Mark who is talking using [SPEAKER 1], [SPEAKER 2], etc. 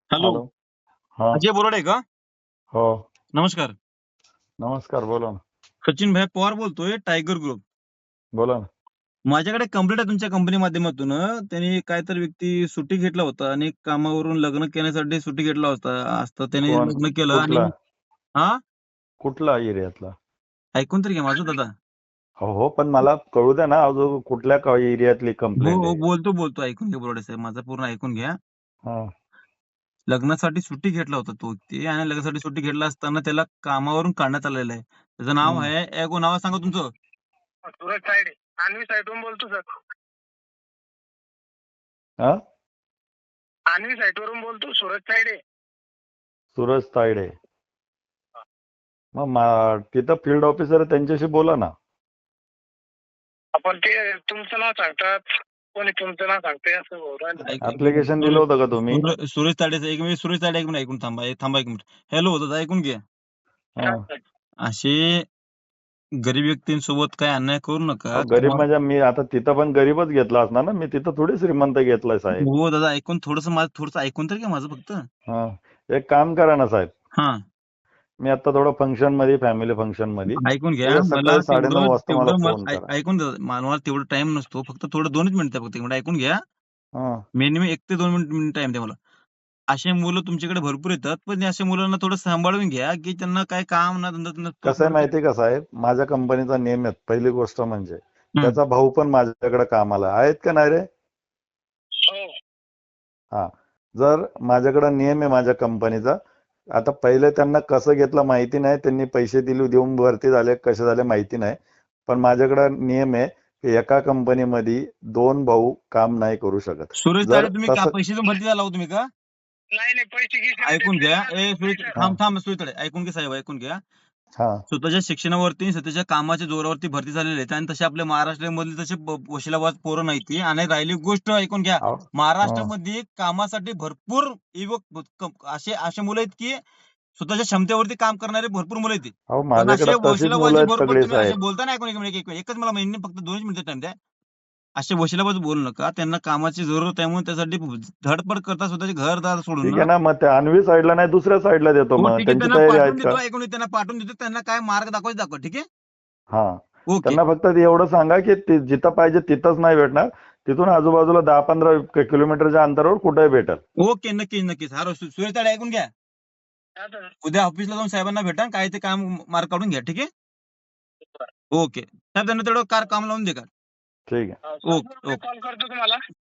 [SPEAKER 1] Hello,
[SPEAKER 2] hello. हा.
[SPEAKER 1] अजय बोराडे का?
[SPEAKER 2] हो.
[SPEAKER 1] नमस्कार.
[SPEAKER 2] नमस्कार. बोला ना.
[SPEAKER 1] सचिन भाई पवार बोलतोय, टायगर ग्रुप.
[SPEAKER 2] बोला ना.
[SPEAKER 1] माझ्याकडे कंप्लेंट आहे तुमच्या कंपनी माध्यमातून. त्यांनी काहीतरी व्यक्ती सुट्टी घेतला होता आणि कामावरून लग्न करण्यासाठी सुट्टी घेतला होता. आज तर त्याने
[SPEAKER 2] कोण?
[SPEAKER 1] लग्न केलं आणि
[SPEAKER 2] कुठला?
[SPEAKER 1] हा
[SPEAKER 2] कुठला एरियातला?
[SPEAKER 1] ऐकून तरी घ्या माझं दादा.
[SPEAKER 2] हो, पण मला कळू द्या ना, अजून कुठल्या एरियातली
[SPEAKER 1] हो
[SPEAKER 2] कंप्लेंट
[SPEAKER 1] हो,
[SPEAKER 2] आहे?
[SPEAKER 1] बोलतो ऐकून घ्या बोराडे साहेब, माझं पूर्ण ऐकून घ्या.
[SPEAKER 2] हा.
[SPEAKER 1] लग्नासाठी सुट्टी घेतला होता तो व्यक्ती आणि लग्नासाठी सुट्टी घेतला असताना त्याला कामावरून काढण्यात आलेलं आहे. त्याचं नाव आहे, नाव सांगा तुमचं.
[SPEAKER 3] सूरज तायडे, अन्वी साईटवरून बोलतो सर.
[SPEAKER 2] हा?
[SPEAKER 3] अन्वी साईटवरून बोलतो, सूरज तायडे.
[SPEAKER 2] सूरज तायडे. मग तिथं फील्ड ऑफिसर आहे, त्यांच्याशी बोला ना.
[SPEAKER 3] आपण ते तुमचं नाव सांगतात, कोणी तुमचं नाव सांगते असं बोलू राहिलं.
[SPEAKER 2] ऍप्लिकेशन दिलं होतं का तुम्ही?
[SPEAKER 1] सुरेश ताडेचं एक मिनिट, सुरेश ताडे एक मिनिट ऐकून थांबा एक मिनिट. हॅलो दादा, ऐकून घ्या.
[SPEAKER 2] हा.
[SPEAKER 1] असे गरीब व्यक्तींसोबत काय अन्याय करू नका.
[SPEAKER 2] गरीब म्हणजे मी आता तिथं पण गरीबच घेतला असणार ना, मी तिथं थोडी श्रीमंत घेतलाय साहेब.
[SPEAKER 1] हो दादा, ऐकून थोडंसं ऐकून तर घ्या माझं फक्त.
[SPEAKER 2] हा. एक काम करा ना साहेब,
[SPEAKER 1] हा,
[SPEAKER 2] मी आता थोडं फंक्शन मध्ये, फॅमिली फंक्शन मध्ये,
[SPEAKER 1] ऐकून घ्या.
[SPEAKER 2] उद्या
[SPEAKER 1] मला
[SPEAKER 2] सकाळी 9:30 वाजता मला फोन करा.
[SPEAKER 1] ऐकून द्या. मला तेवढा टाइम नसतो, फक्त थोडं 2च मिनिटं फक्त. एक मिनिट ऐकून घ्या.
[SPEAKER 2] हा.
[SPEAKER 1] मिनिमम 1 ते 2 मिनिट टाइम द्या मला. असे मुलं तुमच्याकडे भरपूर येतात, पण अशा मुलांना थोडं सांभाळून घ्या, की त्यांना काय काम ना धंदा नसतो.
[SPEAKER 2] कसं आहे माहितीये का साहेब, माझ्या कंपनीचा नेम आहे. पहिली गोष्ट म्हणजे
[SPEAKER 1] हं.
[SPEAKER 2] त्याचा भाऊ पण माझ्याकडे कामाला आहेत का नाही रे?
[SPEAKER 3] हो.
[SPEAKER 2] हा. जर माझ्याकडे नियम आहे माझ्या कंपनीचा, आता पहिले त्यांना कसं घेतलं माहिती नाही, त्यांनी पैसे देऊन भरती झाले, कसे झाले माहिती नाही, पण माझ्याकडे नियम आहे की एका कंपनीमध्ये 2 भाऊ काम नाही करू शकत.
[SPEAKER 1] सुरेश
[SPEAKER 2] जर
[SPEAKER 1] ताडे, तुम्ही
[SPEAKER 2] तसं
[SPEAKER 1] पैसे देऊन भरती झाला हो तुम्ही का?
[SPEAKER 3] नाही पैसे घ्यायचे
[SPEAKER 1] ऐकून घ्या. सुरेश,
[SPEAKER 2] हा.
[SPEAKER 1] थांब सुरेश ताडे, ऐकून घ्या साहेब, ऐकून घ्या.
[SPEAKER 2] हा.
[SPEAKER 1] स्वतःच्या शिक्षणावरती, स्वतःच्या कामाच्या जोरावरती भरती झालेले आहेत आणि तसे आपल्या महाराष्ट्रामधले तसे वशिलाबाज पोरं नाही ती. आणि राहिली गोष्ट ऐकून घ्या,
[SPEAKER 2] अहो,
[SPEAKER 1] महाराष्ट्रामध्ये कामासाठी भरपूर युवक असे मुलं आहेत की स्वतःच्या क्षमतेवरती काम करणारे भरपूर मुलं आहेत.
[SPEAKER 2] अहो,
[SPEAKER 1] पण
[SPEAKER 2] माझ्याकडे
[SPEAKER 1] असे
[SPEAKER 2] तशीच मुलं
[SPEAKER 1] वशिलाबाजी
[SPEAKER 2] आहेत
[SPEAKER 1] बरोबर
[SPEAKER 2] सगळे
[SPEAKER 1] तुम्ही असे
[SPEAKER 2] साहेब.
[SPEAKER 1] बोलता ना, ऐकून एकच मला महिने फक्त 2 मिनिटं टाइम द्या. असे वशिलाबाज बोलू नका. त्यांना कामाची जरूरत आहे म्हणून त्यासाठी धडपड करता, स्वतःचे घरदार सोडून
[SPEAKER 2] ठीक
[SPEAKER 1] ना.
[SPEAKER 2] आहे ना, मग त्या अन्वी साईडला नाही, दुसऱ्या साईडला देतो.
[SPEAKER 1] हो
[SPEAKER 2] मग
[SPEAKER 1] ठीक आहे,
[SPEAKER 2] त्यांची
[SPEAKER 1] त्यांना
[SPEAKER 2] तयारी
[SPEAKER 1] पाठवून
[SPEAKER 2] आहेत का?
[SPEAKER 1] देतो. त्यांना पाठवून देतो. त्यांना काय मार्ग दाखवा, ठीक आहे.
[SPEAKER 2] हा.
[SPEAKER 1] ओके
[SPEAKER 2] त्यांना फक्त एवढं सांगा की जिथं पाहिजे तिथंच नाही भेटणार, तिथून आजूबाजूला 10-15 किलोमीटरच्या अंतरावर कुठेही भेटेल.
[SPEAKER 1] ओके, नक्कीच. हा सुरेश ताडे, ऐकून घ्या. उद्या ऑफिसला जाऊन साहेबांना भेटा, काय ते काम मार्क काढून घ्या, ठीक आहे. ओके साहेब, त्यांना तेवढं काम लावून दे का.
[SPEAKER 2] ठीक आहे.
[SPEAKER 1] ओके.
[SPEAKER 3] कॉल करतो तुम्हाला.